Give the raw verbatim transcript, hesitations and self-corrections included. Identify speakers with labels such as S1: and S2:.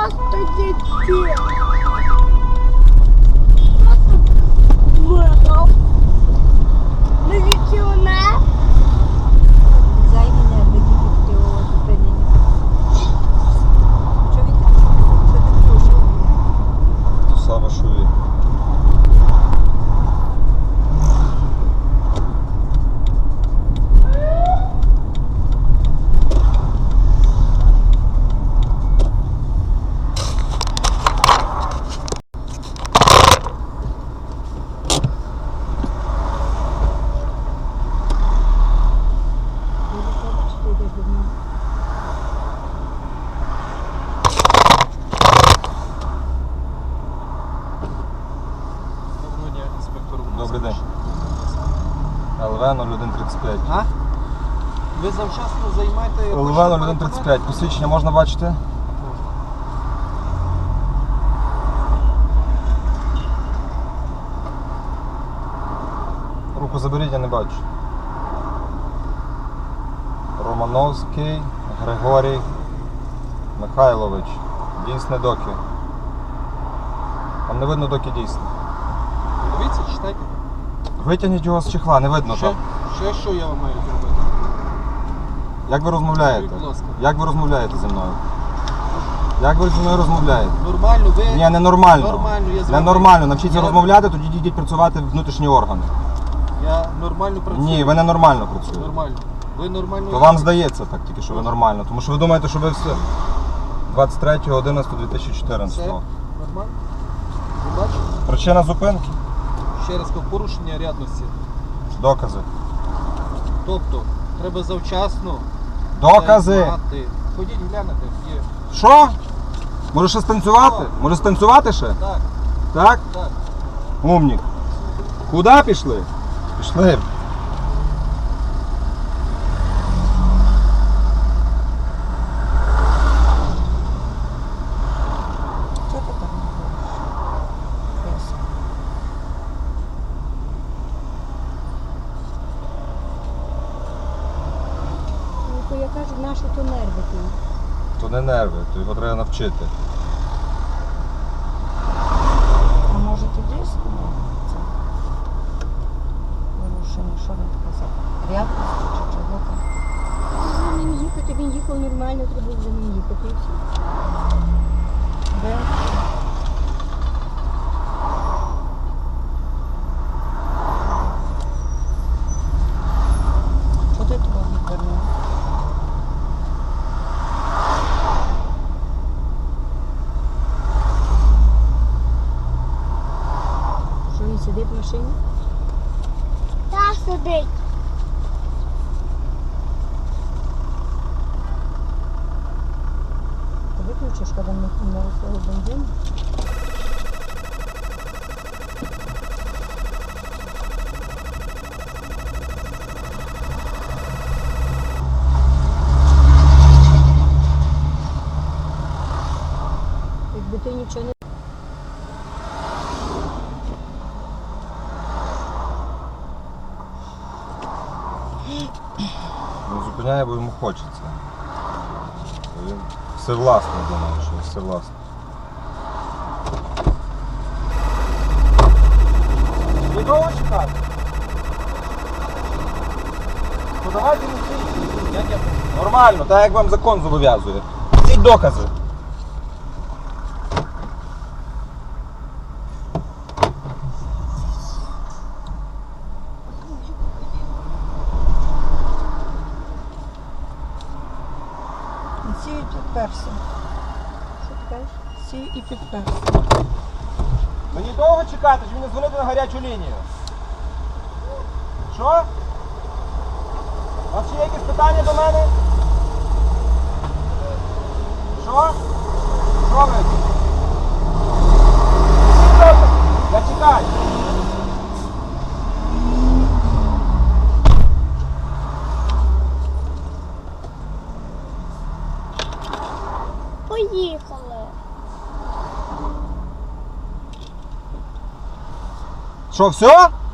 S1: Просто дітей. Просто миров. Міліціонер.
S2: Зайві нерви тільки його зупинення. Що він так? Що ти кружив?
S3: То саме, що він. Добрий день. ел ве нуль один тридцять п'ять.
S4: А? Ви завчасно займаєте...
S3: ел ве нуль один тридцять п'ять. Посвідчення можна бачити? Руку заберіть, я не бачу. Романовський Григорій Михайлович. Дійсне доки. Там не видно доки дійсне.
S4: Дивіться, читайте.
S3: Витягніть його з чехла, не видно
S4: Ще,
S3: там.
S4: ще що я вам маю зробити?
S3: Як ви розмовляєте?
S4: Будь ласка.
S3: Як ви розмовляєте зі мною? Як ви зі мною розмовляєте?
S4: Нормально, ви...
S3: Ні, не нормально.
S4: Нормально, я з вами-
S3: Ненормально. Навчіться
S4: Я-
S3: розмовляти, тоді йдіть працювати в внутрішні органи.
S4: Я нормально працюю.
S3: Ні, ви не нормально працюєте.
S4: Нормально. Ви нормально...
S3: То вам здається так тільки, що ви нормально. Тому що ви думаєте, що ви все двадцять третього одинадцятого дві тисячі
S4: Все?
S3: чотирнадцятого.
S4: Нормально? Ви бачите?
S3: Причина зупинки?
S4: Ще раз кажу, порушення рядності.
S3: Докази.
S4: Тобто, треба завчасно...
S3: Докази!
S4: займати. Ходіть, глянете, є.
S3: Що? Може ще станцювати? Може станцювати ще?
S4: Так,
S3: Так?
S4: так.
S3: Умнік. Куди пішли? Пішли.
S2: Що ти там говориш? Ну, то я кажу, наші то нерви ти.
S3: То не нерви, то його треба навчити.
S2: А може ти дійсно це порушення, що він казав? Рядності чи чого там?
S1: За ним їхати, він їхав нормально, треба за ним їхати. І все.
S2: Де? Що ти туди відвернув?
S1: Що він сидить в машині? Та сидить.
S2: Ти виключиш, коли ми на свого бензину?
S1: Якби ти нічого не...
S3: Він зупиняє, бо йому хочеться. Він всевласний, думаю, що всевласний. Ви довго чекати? Ну давайте не стійте. Як я... Нормально, так як вам закон зобов'язує. Ці докази.
S2: Сію і підперся.
S1: Що ти кажеш?
S2: Сію і підперся.
S3: Мені довго чекати, чи мені дзвонити на гарячу лінію? Що? У вас ще є якісь питання до мене? Що? Що ви? Я чекаю.
S1: Поїхали.
S3: Що, все?